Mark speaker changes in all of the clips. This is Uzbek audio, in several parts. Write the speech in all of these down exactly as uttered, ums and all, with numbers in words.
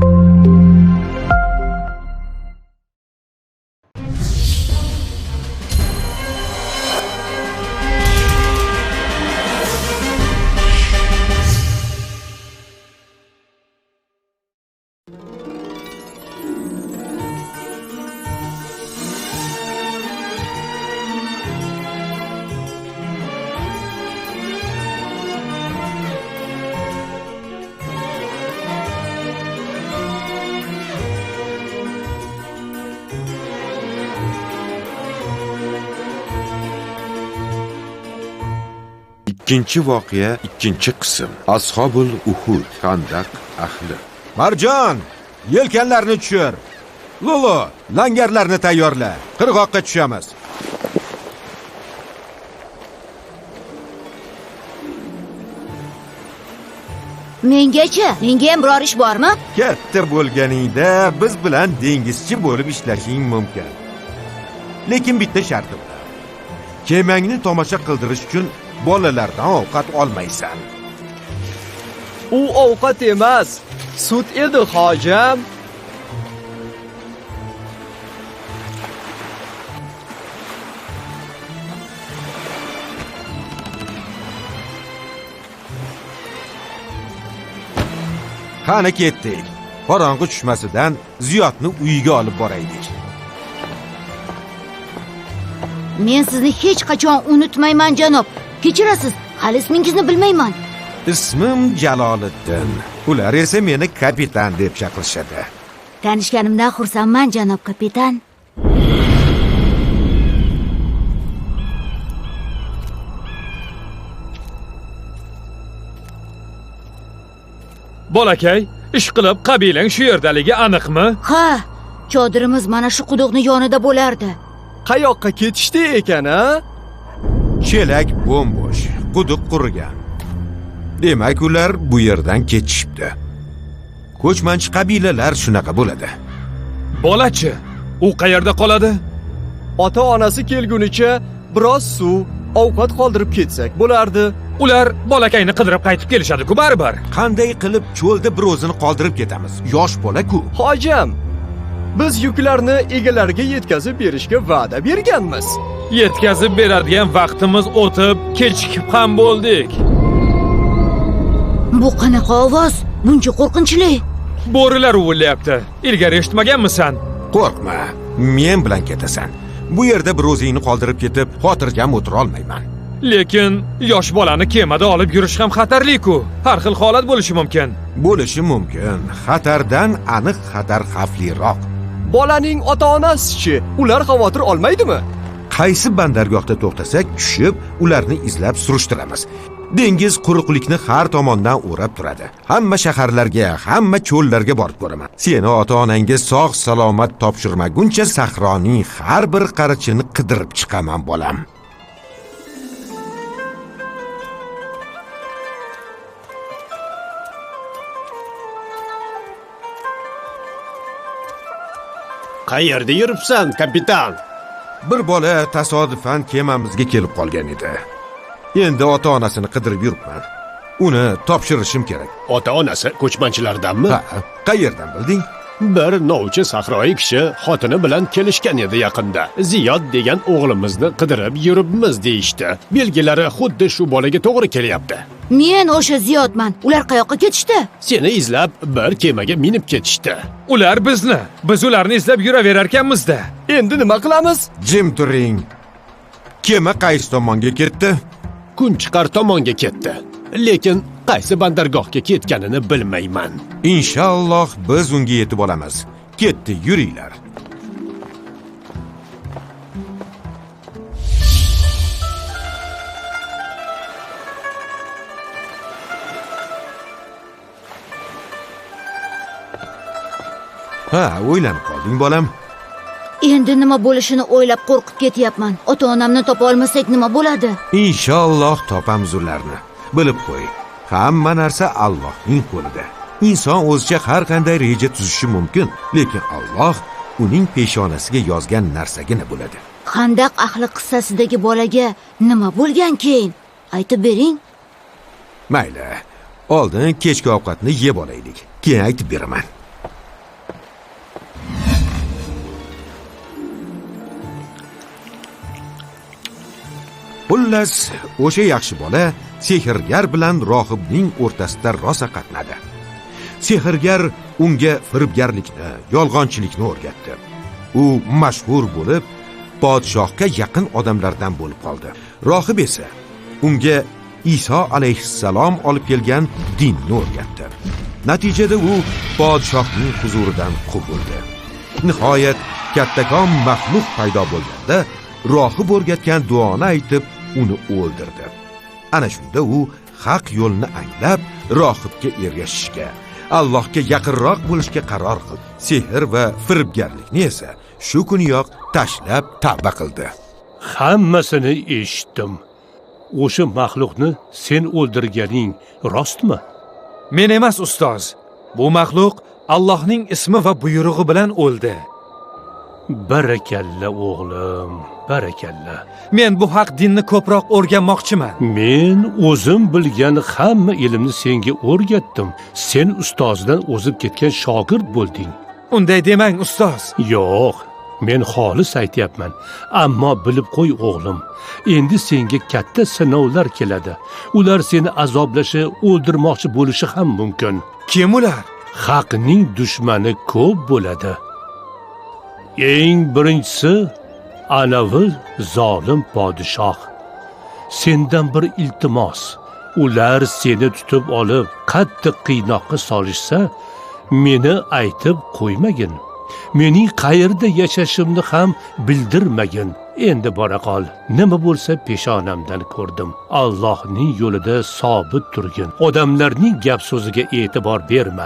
Speaker 1: Ikkinchi voqea, ikkinchi qism. Ashobul Uhud, Xandaq ahli.
Speaker 2: Marjon, yelkanlarni tushir. Lulu, langarlarni tayyorla. Qirg'oqqa tushamiz.
Speaker 3: Mengacha, menga ham biror ish bormi?
Speaker 2: Katta bo'lganingda biz bilan dengizchi bo'lib ishlashing mumkin. Lekin bitta shartim bor. Kemangni tomosha qildirish uchun bolalardan ovqat olmaysan.
Speaker 4: U ovqat emas, sut edi, hojam.
Speaker 2: Qani ketdik. Qorong'i tushmasidan Ziyodni uyiga olib boraylik.
Speaker 3: Men sizni hech qachon unutmayman, janob. Kechirasiz, hali ismingizni bilmayman.
Speaker 2: Ismim Jaloliddin. Ular esa meni kapitan deb chaqirishadi.
Speaker 3: Tanishganimdan xursandman, janob kapitan.
Speaker 5: Bolakay, ish qilib qabilang shu yerdaligi aniqmi?
Speaker 3: Ha, chodirimiz mana shu quduqning yonida bo'lardi.
Speaker 4: Qayoqqa ketishdi ekan, ha?
Speaker 2: Chelak bo'm-bo'sh, quduq qurigan. Demak, ular bu yerdan ketishibdi. Ko'chmanchi qabilalar shunaqa bo'ladi.
Speaker 5: Bolachi, u qayerda qoladi?
Speaker 4: Ota-onasi kelgunicha biroz suv, ovqat qoldirib ketsak bo'lardi.
Speaker 5: Ular bolakayni qidirib qaytib kelishadi-ku baribir.
Speaker 2: Qanday qilib cho'lda bir o'zini qoldirib ketamiz? Yosh bola-ku.
Speaker 4: Hojam, biz yuklarni egalariga yetkazib berishga va'da berganmiz.
Speaker 5: Yetkazib beradigan vaqtimiz o'tib, kechikib ham bo'ldik.
Speaker 3: Bu qanaqa ovoz? Buncha qo'rqinchli.
Speaker 5: Bo'rilar uvillayapti. Ilgari eshitmaganmisan?
Speaker 2: Qo'rqma, men bilan ketasan. Bu yerda bir o'zingni qoldirib ketib, xotirjam o'tira olmayman.
Speaker 5: Lekin yosh bolani kemada olib yurish ham xatarli-ku. Har xil holat bo'lishi mumkin.
Speaker 2: Bo'lishi mumkin. Xatardan aniq xatar xavfliroq.
Speaker 4: Bolaning ota-onasi-chi, ular xavotir olmaydimi?
Speaker 2: Qaysi bandargohda to'xtasak, tushib, ularni izlab surishtiramiz. Dengiz quruqlikni har tomondan o'rab turadi. Hamma shaharlarga, hamma cho'llarga borib ko'raman. Seni ota-onangga sog' salomat topshirmaguncha sahroning har bir qarichini qidirib chiqaman, bolam.
Speaker 6: Qayerda yuribsan, kapitan?
Speaker 2: Bir bola tasodifan kemamizga kelib qolgan edi. Endi ota-onasini qidirib yuribman. Uni topshirishim kerak.
Speaker 6: Ota-onasi ko'chmanchilardanmi?
Speaker 2: Ha, qayerdan bilding?
Speaker 6: Bir novchi sahroyi kishi xotini bilan kelishgan edi yaqinda. Ziyod degan o'g'limizni qidirib yuribmiz deyishdi. Belgilari xuddi shu bolaga to'g'ri kelyapti.
Speaker 3: Men o'sha Ziyodman. Ular qayoqqa ketishdi?
Speaker 6: Seni izlab bir kemaga minib ketishdi.
Speaker 5: Ular bizni, biz ularni izlab yuraverar ekanmiz-da.
Speaker 4: Endi nima qilamiz?
Speaker 2: Jim turing. Kema qaysi tomonga ketdi?
Speaker 6: Kunchiqar tomonga ketdi. Lekin qaysi bandargohga ketganini bilmayman.
Speaker 2: Inshaalloh biz unga yetib olamiz. Ketdi, yuringlar. Ha, o'ylanib qolding, bolam.
Speaker 3: Endi nima bo'lishini o'ylab qo'rqib ketyapman. Ota-onamni topa olmasak nima bo'ladi?
Speaker 2: Inshaalloh topamiz ularni. Bilib qo'y, hamma narsa Allohning qo'lida. Inson o'zicha har qanday reja tuzishi mumkin, lekin Alloh uning peshonasiga yozgan narsagina bo'ladi.
Speaker 3: Xandaq ahli qissasidagi bolaga nima bo'lgan keyin? Aytib bering.
Speaker 2: Mayli, oldin kechki ovqatni yeb olaylik, keyin aytib beraman. Xullas, o'sha yaxshi bola sehrgar bilan rohibning o'rtasida rosa qatnadi. Sehrgar unga firibgarlikni, yolg'onchilikni o'rgatdi. U mashhur bo'lib, podshohga yaqin odamlardan bo'lib qoldi. Rohib esa unga Iso alayhissalom olib kelgan dinni o'rgatdi. Natijada u podshohning huzuridan quvildi. Nihoyat kattakon maxluq paydo bo'lganda, rohib o'rgatgan duoni aytib, uni o'ldirdi. Ana shunda u haq yo'lni anglab, rohibga ergashishga, Allohga yaqinroq bo'lishga qaror qildi. Sehr va firibgarlikni esa shu kuniyoq tashlab tavba qildi.
Speaker 7: Hammasini eshitdim. O'sha maxluqni sen o'ldirganing rostmi?
Speaker 5: Men emas, ustoz. Bu maxluq Allohning ismi va buyrug'i bilan o'ldi.
Speaker 7: Barakalla o'g'lim, barakalla.
Speaker 5: Men bu haq dinni ko'proq o'rganmoqchiman.
Speaker 7: Men o'zim bilgan hamma ilmni senga o'rgatdim. Sen ustozdan o'zib ketgan shogird bo'lding.
Speaker 5: Unday demang, ustoz.
Speaker 7: Yo'q, men xolis aytyapman. Ammo bilib qo'y o'g'lim, endi senga katta sinovlar keladi. Ular seni azoblashi, o'ldirmoqchi bo'lishi ham mumkin.
Speaker 5: Kim ular?
Speaker 7: Haqning dushmani ko'p bo'ladi. Eng birinchisi anavi zolim podshoh. Sendan bir iltimos. Ular seni tutib olib, qattiq qiynoqqa solishsa, meni aytib qo'ymagin. Mening qayerda yashashimni ham bildirmagin. Endi bora qol. Nima bo'lsa peshonamdan ko'rdim. Allohning yo'lida sobit turgin. Odamlarning gap so'ziga e'tibor berma.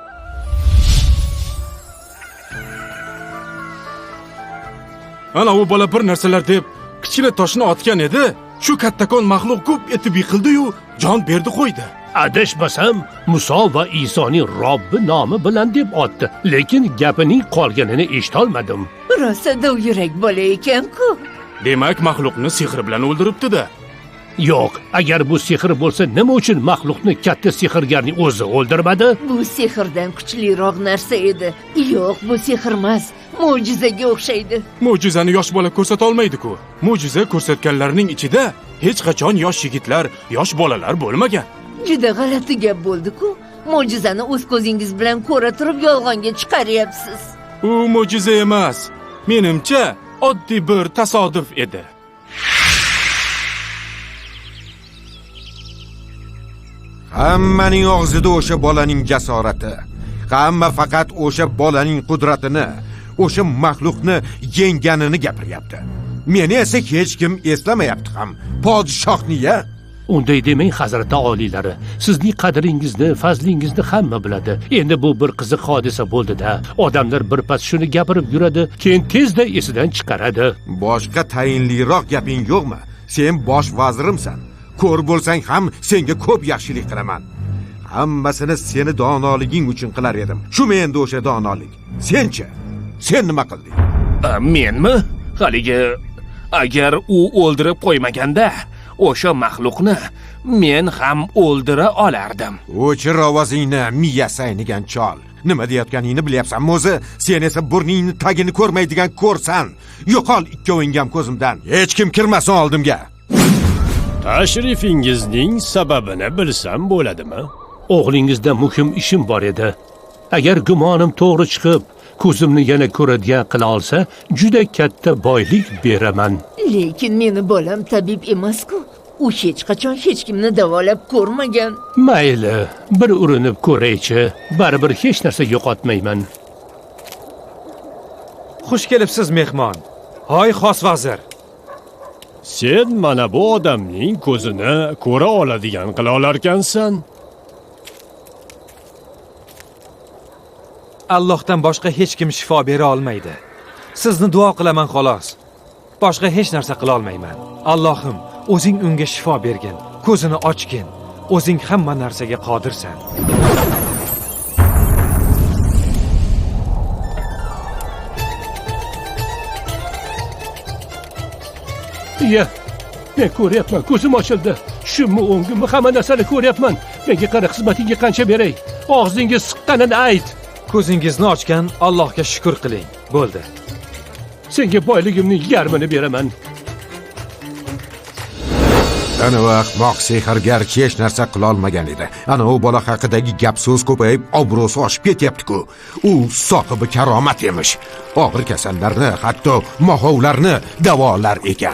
Speaker 8: Ana u bola bir narsalar deb kichkina toshni otgan edi. Shu kattakon maxluq ko'p etib yiqildi-yu, jon berdi qo'ydi.
Speaker 7: Adashmasam, Muso va Isoning Robbi nomi bilan deb otdi, lekin gapining qolganini eshitolmadim.
Speaker 9: Rosa dov yurak bola ekan-ku.
Speaker 8: Demak, maxluqni sehr bilan o'ldiribdi-da.
Speaker 7: Yo'q, agar bu sehr bo'lsa, nima uchun maxluqni katta sehrgarning o'zi o'ldirmadi?
Speaker 9: Bu sehrdan kuchliroq narsa edi. Yo'q, bu sehr emas, mo'jizaga o'xshaydi.
Speaker 8: Mo'jizani yosh bola ko'rsata olmaydi-ku. Mo'jiza ko'rsatganlarning ichida hech qachon yosh yigitlar, yosh bolalar bo'lmagan.
Speaker 9: Juda g'alati gap bo'ldi-ku. Mo'jizani o'z ko'zingiz bilan ko'ra turib yolg'onga chiqaryapsiz.
Speaker 8: U mo'jiza emas. Menimcha, oddiy bir tasodif edi.
Speaker 2: Hammaning og'zida o'sha bolaning jasorati, hamma faqat o'sha bolaning qudratini, o'sha maxluqni yengganini gapiryapti. Meni esa hech kim eslamayapti ham. Podshohni-ya.
Speaker 7: Unday demang, hazrati oliylari. Sizning qadringizni, fazlingizni hamma biladi. Endi bu bir qiziq hodisa bo'ldi-da. Odamlar bir pas shuni gapirib yuradi, keyin tezda esidan chiqaradi.
Speaker 2: Boshqa tayinliroq gaping yo'qmi? Sen bosh vazirimsan. Ko'r bo'lsang ham senga ko'p yaxshilik qilaman. Hammasini seni donoliging uchun qilar edim. Shu menda o'sha donolik. Senchi? Sen nima qilding?
Speaker 10: Menmi? Haligi agar u o'ldirib qo'ymaganda, o'sha maxluqni men ham o'ldira olardim.
Speaker 2: O'chir ovozingni, miya saynigan chol. Nima deyotganingni bilyapsanmi o'zi? Sen esa burningni tagini ko'rmaydigan ko'rsan. Yo'qol ikkoving ham ko'zimdan. Hech kim kirmasin oldimga.
Speaker 6: Tashrifingizning sababini bilsam bo'ladimi?
Speaker 7: O'g'lingizda muhim ishim bor edi. Agar gumonim to'g'ri chiqib, ko'zimni yana ko'radigan qila olsa, juda katta boylik beraman.
Speaker 9: Lekin meni bolam tabib emas-ku. U hech qachon hech kimni davolab ko'rmagan.
Speaker 7: Mayli, bir urinib ko'raychi. Baribir hech narsa yo'qotmayman.
Speaker 5: Xush kelibsiz, mehmon. Hoy, xos vazir.
Speaker 6: Sen mana bu odamning ko'zini ko'ra oladigan qila olarkansan.
Speaker 5: Allohdan boshqa hech kim shifo bera olmaydi. Sizni duo qilaman xolos. Boshqa hech narsa qila olmayman. Allohim, o'zing unga shifo bergin, ko'zini ochgin. O'zing hamma narsaga qodirsan.
Speaker 7: Ya, men ko'ryapman, ko'zim ochildi. Shummi, o'ngimmi, hamma narsani ko'ryapman. Menga qara, xizmatingga qancha beray? Og'zingiz siqqanini ayt.
Speaker 5: Ko'zingizni ochgan Allohga shukr qiling. Bo'ldi.
Speaker 7: Senga boyligimning yarmini beraman.
Speaker 2: Ana vaqt moq sehrgar hech narsa qila olmagan edi. Ana u bola haqidagi gap so'z ko'payib, obro'si oshib ketyapti-ku. U sohibi karomat emish. Og'ir kasallarni, hatto mohovlarni davolar ekan.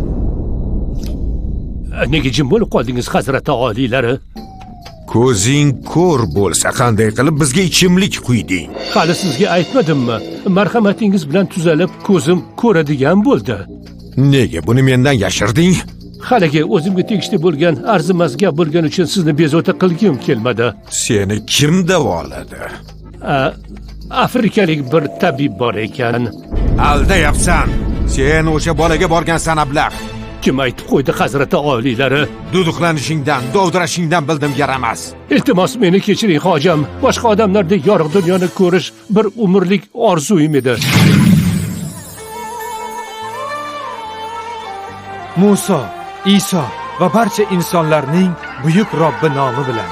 Speaker 7: Nega jim bo'lib qoldingiz, hazrati oliylari?
Speaker 2: Ko'zing ko'r bo'lsa, qanday qilib bizga ichimlik quyding?
Speaker 7: Hali sizga aytmadimmi? Marhamatingiz bilan tuzalib, ko'zim ko'radigan bo'ldi.
Speaker 2: Nega buni mendan yashirding?
Speaker 7: Haligi o'zimga tegishli bo'lgan arzimas gap bo'lgani uchun sizni bezovta qilgim kelmadi.
Speaker 2: Seni kim davoladi?
Speaker 7: Afrikalik bir tabib bor ekan.
Speaker 2: Aldayapsan. Sen o'sha bolaga borgansan ablah.
Speaker 7: Kim aytib qo'ydi, hazrati oliylari?
Speaker 2: Duduqlanishingdan, dovdirashingdan bildim, yaramas.
Speaker 7: Iltimos meni kechiring, hojam. Boshqa odamlardek yorug' dunyoni ko'rish bir umrlik orzuim edi.
Speaker 5: Muso, Iso va barcha insonlarning buyuk Robbi nomi bilan.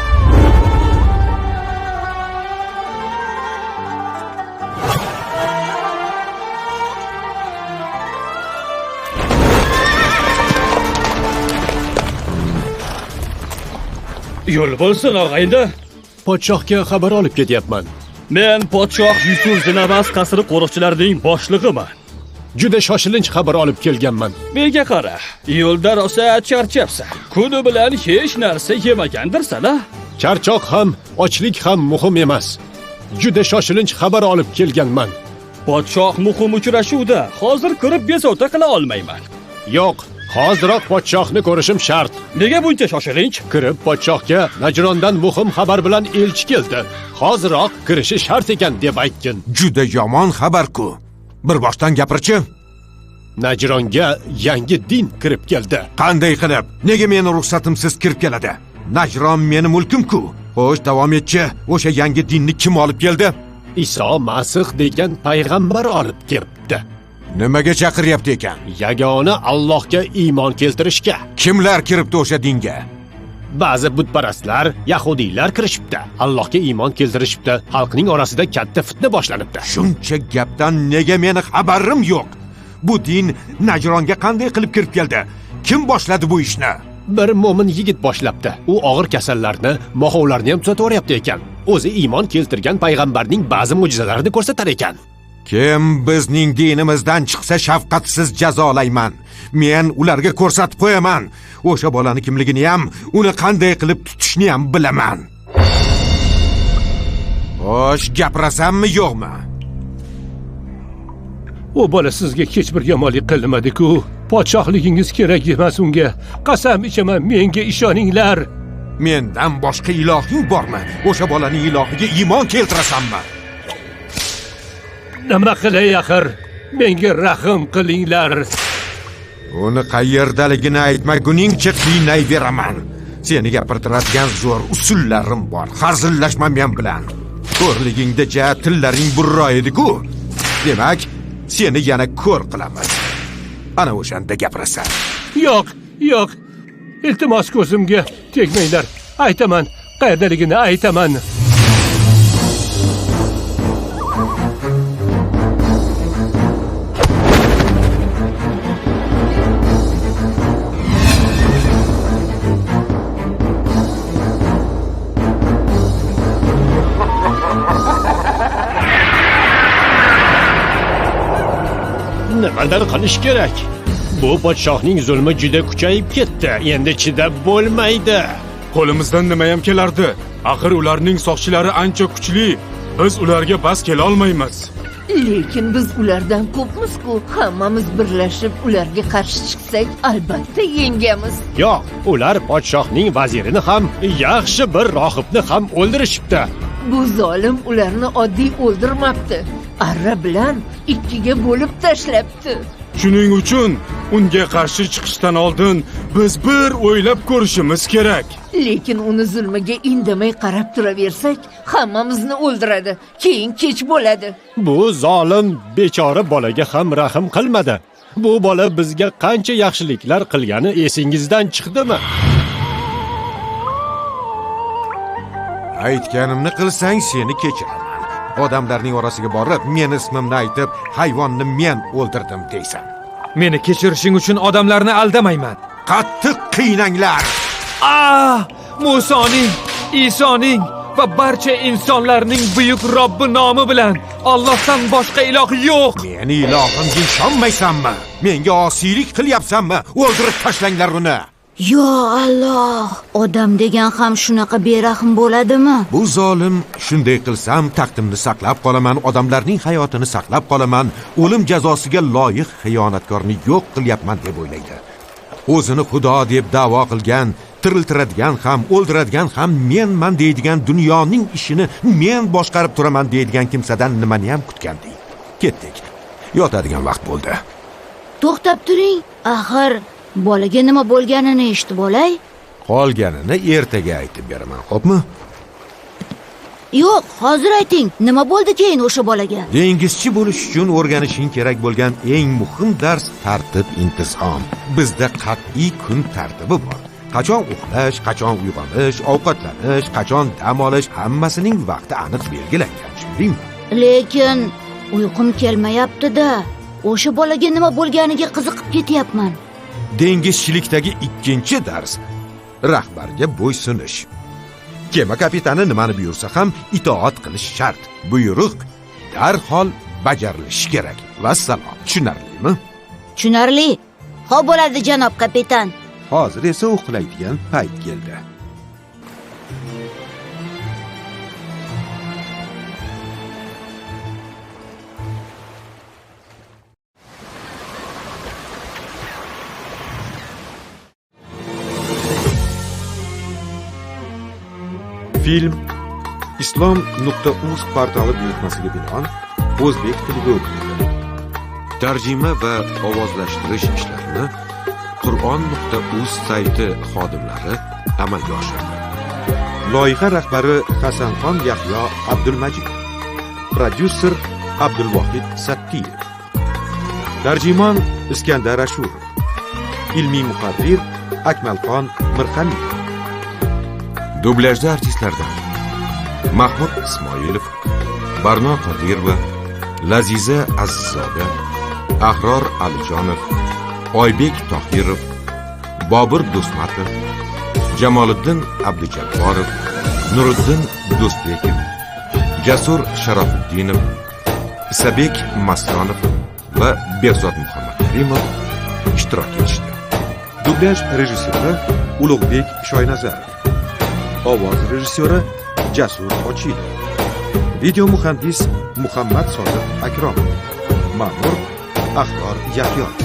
Speaker 11: Yo'l bo'lsin, og'ayni.
Speaker 6: Podshohga xabar olib ketyapman.
Speaker 11: Men podshoh Yusuf Zinamas qasri qo'riqchilarining boshlig'iman.
Speaker 6: Juda shoshilinch xabar olib kelganman.
Speaker 11: Menga qara, yo'lda rosa charchabsan. Kuni bilan hech narsa yemagandirsan-a?
Speaker 6: Charchoq ham, ochlik ham muhim emas. Juda shoshilinch xabar olib kelganman.
Speaker 11: Podshoh muhim uchrashuvda, hozir kirib bezovta qila olmayman.
Speaker 6: Yo'q, hoziroq podshohni ko'rishim shart.
Speaker 11: Nega buncha shoshilinch?
Speaker 6: Kirib podshohga Najrondan muhim xabar bilan elchi keldi. Hoziroq kirishi shart ekan deb aytgin.
Speaker 2: Juda yomon xabar-ku. Bir boshdan gapirchi.
Speaker 6: Najronga yangi din kirib keldi.
Speaker 2: Qanday qilib? Nega meni ruxsatimsiz kirib keladi? Najron meni mulkim-ku. Xo'sh, davom etchi. O'sha yangi dinni kim olib keldi?
Speaker 6: Iso Masih degan payg'ambar olib kiribdi.
Speaker 2: Nimaga chaqiryapti ekan?
Speaker 6: Yagona Allohga iymon keltirishga.
Speaker 2: Kimlar kiribdi o'sha dinga?
Speaker 6: Ba'zi butparastlar, yahudiylar kirishibdi. Allohga iymon keltirishibdi. Xalqning orasida katta fitna boshlanibdi.
Speaker 2: Shuncha gapdan nega meni xabarim yo'q? Bu din Najronga qanday qilib kirib keldi? Kim boshladi bu ishni?
Speaker 6: Bir mo'min yigit boshlabdi. U og'ir kasallarni, mohovlarni ham tuzataveryapti ekan. O'zi iymon keltirgan payg'ambarning ba'zi mo'jizalarini ko'rsatar ekan.
Speaker 2: Kim bizning dinimizdan chiqsa shafqatsiz jazolayman. Men ularga ko'rsatib qo'yaman. O'sha bolani kimligini ham, uni qanday qilib tutishni ham bilaman. Xo'sh, gapirasammi yo'qmi?
Speaker 7: U bola sizga hech bir yomonlik qilmadi-ku. Podshohligingiz kerak emas unga. Qasam ichaman, menga ishoninglar.
Speaker 2: Mendan boshqa ilohing bormi? O'sha bolaning ilohiga iymon keltirasanmi?
Speaker 7: Nima qilay axir? Menga rahim qilinglar.
Speaker 2: Uni qayerdaligini aytmaguningcha qiynayveraman. Seni gapirtiradigan zo'r usullarim bor. Hazillashma men bilan. Ko'rligingda ja tillaring burro edi-ku. Demak, seni yana ko'r qilamiz. Ana o'shanda gapirasan.
Speaker 7: Yo'q, yo'q. Iltimos ko'zimga tegmanglar. Aytaman, qayerdaligini aytaman.
Speaker 6: Nimadir qilish kerak. Bu podshohning zulmi juda kuchayib ketdi. Endi chidab bo'lmaydi.
Speaker 8: Qo'limizdan nima ham kelardi? Axir ularning soqchilari ancha kuchli. Biz ularga bas kela olmaymiz.
Speaker 9: Lekin biz ulardan ko'pmiz-ku. Hammamiz birlashib ularga qarshi chiqsak, albatta yengamiz.
Speaker 6: Yo'q, ular podshohning vazirini ham, yaxshi bir rohibni ham o'ldirishibdi.
Speaker 9: Bu zolim ularni oddiy o'ldirmabdi. Arra bilan ikkiga bo'lib tashlabdi.
Speaker 8: Shuning uchun unga qarshi chiqishdan oldin biz bir o'ylab ko'rishimiz kerak.
Speaker 9: Lekin uni zulmiga indamay qarab turaversak, hammamizni o'ldiradi. Keyin kech bo'ladi.
Speaker 6: Bu zolim bechora bolaga ham rahim qilmadi. Bu bola bizga qancha yaxshiliklar qilgani esingizdan chiqdimi?
Speaker 2: Aytganimni qilsang seni kechiraman. Odamlarning orasiga borib, men ismimni aytib, hayvonni men o'ldirdim deysan.
Speaker 5: Meni kechirishing uchun odamlarni aldamayman.
Speaker 2: qattiq qiynanglar.
Speaker 5: Ah! Musoning, Isoning va barcha insonlarning buyuk Robbi nomi bilan Allohdan boshqa iloh yo'q.
Speaker 2: Meni ilohimga ishonmaysanmi? Menga osiylik qilyapsanmi? O'ldirib tashlanglar uni.
Speaker 3: Yo Alloh, odam degan ham shunaqa berahm bo'ladimi?
Speaker 2: Bu zolim shunday qilsam taqdimni saqlab qolaman, odamlarning hayotini saqlab qolaman, o'lim jazosiga loyiq xiyonatkorni yo'q qilyapman deb o'ylaydi. O'zini xudo deb da'vo qilgan, tiriltiradigan ham, o'ldiradigan ham menman deydigan, dunyoning ishini men boshqarib turaman deydigan kimsadan nimani ham kutgandik. Ketdik. Yotadigan vaqt bo'ldi.
Speaker 3: To'xtab turing. Axir bolaga nima bo'lganini eshitib olay.
Speaker 2: Qolganini ertaga aytib beraman, xo'pmi?
Speaker 3: Yo'q, hozir ayting. Nima bo'ldi keyin o'sha bolaga?
Speaker 2: Dengizchi bo'lish uchun o'rganishing kerak bo'lgan eng muhim dars tartib, intizom. Bizda qat'iy kun tartibi bor. Qachon uxlash, qachon uyg'onish, ovqatlanish, qachon dam olish, hammasining vaqti aniq belgilangan, tushundingmi?
Speaker 3: Lekin uyqum kelmayapti-da. O'sha bolaga nima bo'lganiga qiziqib ketyapman.
Speaker 2: Dengizchilikdagi ikkinchi dars rahbarga bo'ysunish. Kema kapitani nimani buyursa ham itoat qilish shart. Buyruq darhol bajarilishi kerak. Vassalom. Tushunarlimi?
Speaker 3: Tushunarli. Xo'p bo'ladi, janob kapitan.
Speaker 2: Hozir esa uxlaydigan payt keldi. Film islom nuqta uz portali buyurtmasiga binoan o'zbek tiliga o'qitildi. Tarjima va ovozlashtirish ishlarini Qur'on nuqta uz sayti xodimlari amalga oshirdi. Loyiha rahbari Hasanxon Yahyo Abdulmajid, prodyuser Abdulvohid Sattiyev, tarjimon Iskandar Ashurov, ilmiy muharrir Akmalxon Mirxaliyev. Dublyajda artistlardan Mahmud Ismoilov, Barno Qodirova, Laziza Azizzoda, Ahror Alijonov, Oybek Tohirov, Bobur Do'stmatov, Jamoliddin Abdujabborov, Nuriddin Do'stbekov, Jasur Sharofuddinov, Isabek Masonov va Behzod Muhammadkarimov ishtirok etishdi. Dublyaj rejissyori Ulug'bek Shoynazarov, ovoz rejissyori Jasur Ochilov, video muhandis Muhammad Sodiq Akromov, ma'mur Ahror Yahyo.